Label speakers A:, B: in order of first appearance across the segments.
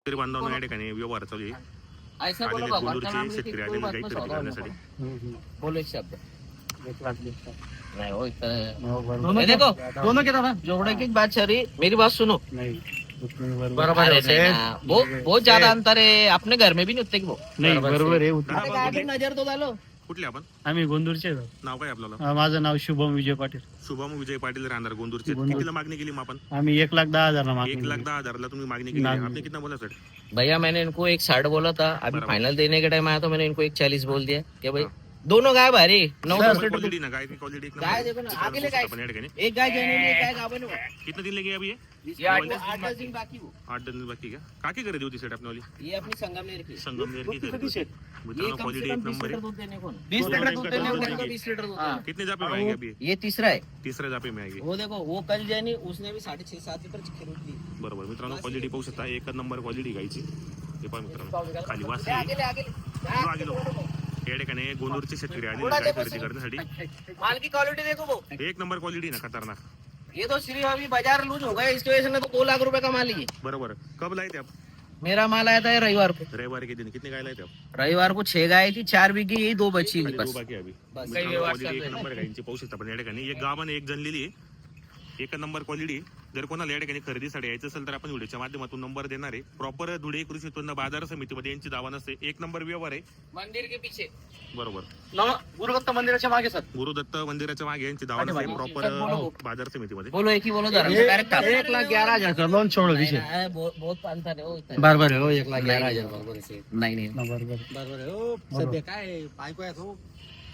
A: शेतकरी बांधवांना या ठिकाणी व्यवहार चालू आहे.
B: ऐसा
A: आलेले
B: बोलो भगवान
A: कोल्हूरचे
B: का नाम
A: शेतकरी
B: लेके
A: आलेले
B: कोई बात
A: गाई
B: में
A: खरेदी
B: सौदा
A: करण्यासाठी.
B: बोलो एक शब्द
C: 1,20,000
B: नहीं वो इतना
C: दोनों
B: ये देखो दोनों के तरफ जोड़ने की बात चल रही मेरी बात सुनो
C: नहीं उतने
B: बराबर
C: है
B: नहीं ना, वो बहुत ज्यादा अंतर है अपने घर में भी नहीं उतने की वो
C: नाही बरोबर आहे
A: दादा,
B: अरे गाडी नजर तो डालो
A: कुठले आपण
C: आम्ही गोंदूरचे
A: नाव काय आपल्याला?
C: माझं नाव शुभम विजय पाटील
A: शुभम विजय पाटील राहणार गोंदूरचे.
C: गोंदूर.
A: कितीला मागणी केली मग आपण?
C: आम्ही 1,10,000 ला मागणी
A: 1,10,000 तुम्ही मागणी केली.
C: मागणी.
A: आपने कितना बोला सर?
B: भैया मैंने इनको 1,60 बोला था अभी
A: बराबर।
B: फाइनल देने के टाइम आया तो मैंने इनको 1,40 बोल दिया क्या भाई दोनों गाय भारी 9-10 लीटर
A: क्वालिटी ना गाय की क्वालिटी एक
B: गाय
A: नंबर
B: देखो ना
A: आहे.
B: आगे ले गाय
A: आपण या ठिकाणी
B: एक गाय जेन्युइन एक गाय गाभण है
A: कितने दिन लगे अभी ये?
B: ये 8-10 दिन बाकी वो
A: 8 दिन बाकी का. काकी खरेदी होती सेट आपली?
B: ये अपनी संगमनेर की
A: संगमनेर की खरेदी.
B: ये
A: मित्रांनो
B: कम
A: क्वालिटी
B: से
A: एक
B: कम 20
A: नंबर
B: लीटर
A: है.
B: दूध देने को
A: 20 लीटर दूध देने को,
B: 20 लीटर दूध देने
A: कितने जापे में आएगी अभी?
B: को। ये तीसरा है
A: तिसऱ्या जापे में आएगी.
B: वो देखो वो कल जैनी उसने भी 6.5-7 लीटर खरीद ली
A: बरोबर मित्रांनो क्वालिटी पाहू शकता. एक नंबर क्वालिटी गायची. हे पहा मित्रांनो खाली वास
B: ले आगे ले आगे ले
A: चलो आगे लो. या ठिकाणी गोंदूरचे शेतकरी आलेले गाय खरेदी करण्यासाठी.
B: माल की क्वालिटी देखो वो
A: एक नंबर क्वालिटी ना खतरनाक.
B: ये तो सिर्फ अभी बाजार लूज हो गया इसकी वजह से ना तो 2 लाख रुपए का माल ही है
A: बरोबर. कब लाए थे आप?
B: मेरा माल आया था रविवार को
A: रविवार के दिन कितने गाय लाए थे आप?
B: रविवार को 6 गाय थी 4 बिकी यही 2 बची हुई
A: खाली
B: बस
A: दो बाकी आहे अभी.
B: बस.
A: मित्रांनो,
B: काही व्यवस्था
A: quality एक
B: नाही.
A: नंबर गायची पाहू शकता. पण या ठिकाणी एक गाभण एक जनलेली आहे. एक नंबर क्वालिटी. जर कोणाला या ठिकाणी खरेदीसाठी यायचं असेल तर आपण व्हिडिओच्या माध्यमातून नंबर देणार आहे. प्रॉपर धुळे कृषी उत्पन्न बाजार समितीमध्ये यांची दावा नसते. एक नंबर व्यवहार आहे.
B: मंदिर के पीछे
A: बरोबर.
C: गुरुदत्त मंदिराच्या मागे सर
A: गुरुदत्त मंदिराच्या मागे यांची दावा नसते. प्रॉपर बाजार समितीमध्ये.
B: बोलो एक ही बोलो जरा डायरेक्ट
C: 1,11,000 का लोन छोड़ विषय
B: बहुत अंतर है वो इतना.
C: बरोबर आहे हो 1,11,000 बरोबर आहे
B: नहीं नहीं
C: बरोबर
D: सध्या काय बायको आहे तो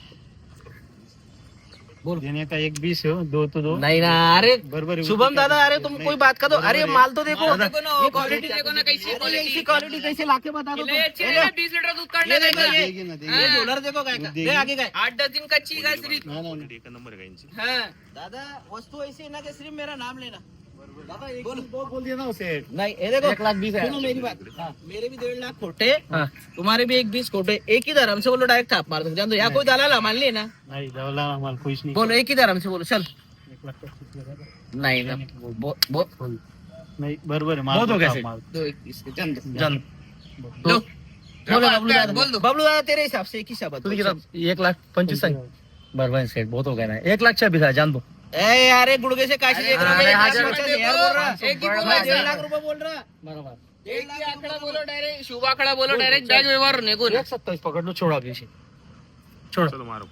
C: बोल देने का 1,20 है 2 तो 2
B: नहीं ना अरे
C: बरोबर है.
B: शुभम दादा अरे तुम कोई बात कर दो अरे माल तो देखो
E: ये क्वालिटी देखो ना कैसी
B: ऐसी क्वालिटी कैसे लाके बता दो तुम.
E: 20 लीटर दूध काढले
B: देखो
E: जायचं.
C: देगी ना, देगी.
B: ये डॉलर देखो काय का दे आगे काय
E: 8-10 दिन कच्ची गाय सिर्फ
A: क्वालिटी एक नंबर आहे गायची.
E: हाँ
B: दादा वस्तु ऐसी है ना कि सिर्फ मेरा नाम लेना दादा एक
C: बोल बोल दिया ना उसे
B: नहीं ये देखो
C: 1,20,000 है.
B: सुनो मेरी बात मेरे भी 1.5 लाख खोटे तुम्हारे भी 1,20 खोटे एक ही धर्म से बोलो डायरेक्ट थाप मार दो जान दो या कोई दलाल मान लिए ना
C: नहीं दवला हमारा कुछ नहीं
B: बोलो एक ही धर्म से बोलो चल
C: 1,25,000
B: नहीं ना बहुत
C: नहीं बरोबर है
B: बहुत हो गया
C: मार
B: सेठ. 2-21 के जान दो जान
E: दो.
B: बोलो बबलू दादा
E: बोल दो.
B: बबलू दादा तेरे हिसाब से एक ही शब्द बोल.
C: 1,25,000 सांग बरोबर है सेठ बहुत हो गया ना 1,26,000 जान दो
B: ए यारे गुड़गे से काशी देख रहा
E: अरे
B: हूँ
E: हजार
B: मैं
E: रुपए
B: 50,000 बोल रहा
E: एक ही बोलो
B: मैं
E: ऐसा.
B: 1.5 लाख रुपए बोल रहा
C: बरोबर
E: एक ही आकडा बोलो डायरेक्ट शुभ आकडा बोलो डायरेक्ट बॅग व्यवहार होने को ना.
C: 1,27 पकड़ लो छोड़ा विषय छोड़
A: चलो मारो.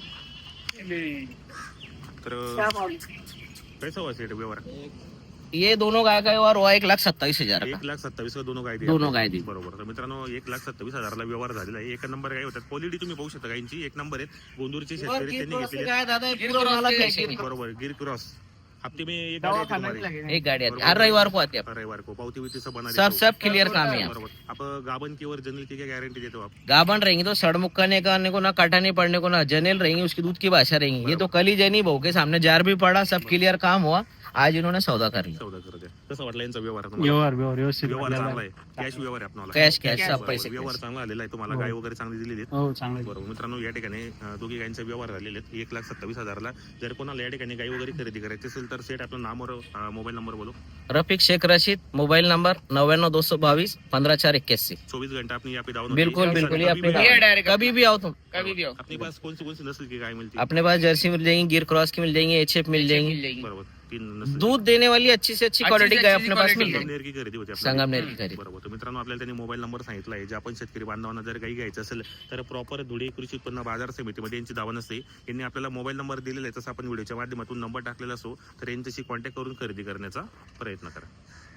A: तर कैसा हुआ सेट व्यवहार?
B: ये दोनों गाय का और हुआ 1,27,000 का
A: 1,27,000 का दोनों गाय दिली.
B: दोनों गाय दी.
A: बरोबर. तर मित्रांनो 1,27,000 ला व्यवहार झालेला आहे. एक नंबर गाय होतात. क्वालिटी तुम्ही पाहू शकता गायची एक नंबर आहे. गोंदूरचे
B: और
A: शेतकरी
B: गिर
A: त्यांनी
B: क्रॉस से
A: घेतलेले.
B: गाय दादा ये पूरा माला कैसे नहीं.
A: बरोबर. गिर क्रॉस हफ्ते में एक गाड़ी आती तुम्हारी.
B: एक गाड़ी आती है हर रविवार को आती है
A: रविवार को पावती विवती सब बना
B: सब सब क्लियर काम है यहाँ.
A: बरोबर. आप गाबन की और जनरल की क्या गारंटी देते हो आप?
B: गाभण रहेंगी तो सड़मुक्का नहीं करने को ना काटा नहीं पड़ने को ना जनेल रहेंगी उसकी दूध की भाषा रहेंगी ये तो कल ही जनी बहू के सामने जार भी पड़ा सब क्लियर काम हुआ आज इन्होंने सौदा कर लिया
A: सौदा करते. कसं वाटलं यांचा व्यवहार तुम्हाला?
C: व्यवहार व्यवस्थित
A: व्यवहार
C: झालेला
A: चांगला
C: आहे.
A: आहे. कॅश व्यवहार आहे आपल्याला.
B: कैश कैश सब
A: बरोबर.
B: पैसे
A: व्यवहार चांगला आलेला आहे. तुम्हाला गाय वगैरे चांगली दिलेली आहेत.
C: हो चांगलं आहे.
A: बरोबर. मित्रांनो या ठिकाणी दोघी गायींचे व्यवहार झालेले आहेत. 1,27,000 ला. जर कोणाला या ठिकाणी गाई वगैरे खरेदी करायची असेल तर सेट आपलं नाम और मोबाईल नंबर बोलो.
B: रफीक शेख रशीद मोबाइल नंबर 99 222 15 481
A: 24 घंटा अपनी यहाँ पे दावा
B: बिल्कुल बिल्कुल ये अपने
E: ये डायरेक्ट
B: कभी भी आओ तुम
E: कभी भी हो
A: अपने पास कौन सी नस्ल की गाय मिलती है?
B: अपने पास जर्सी मिल जाएंगी गिर क्रॉस की मिल जाएंगी एचएफ मिल जाएंगी
A: बरोबर. 3 नस्ल.
B: दूध देने वाली अच्छी से अच्छी क्वालिटी गाय अपने पास मिल जाएगी
A: संगमनेर की खरेदी होती आपल्याला.
B: संगमनेर की खरीद
A: बरोबर. तर मित्रांनो आपल्याला त्यांनी मोबाईल नंबर सांगितला आहे. जे आपण शेतकरी बांधवांना जर गाई घ्यायचं असेल तर प्रॉपर धुळे कृषी उत्पन्न बाजार समितीमध्ये यांची दावा नसते. यांनी आपल्याला मोबाईल नंबर दिलेला आहे. तसं आपण व्हिडिओच्या माध्यमातून नंबर टाकलेला असो तर यांच्याशी कॉन्टॅक्ट करून खरेदी करण्याचा प्रयत्न करा.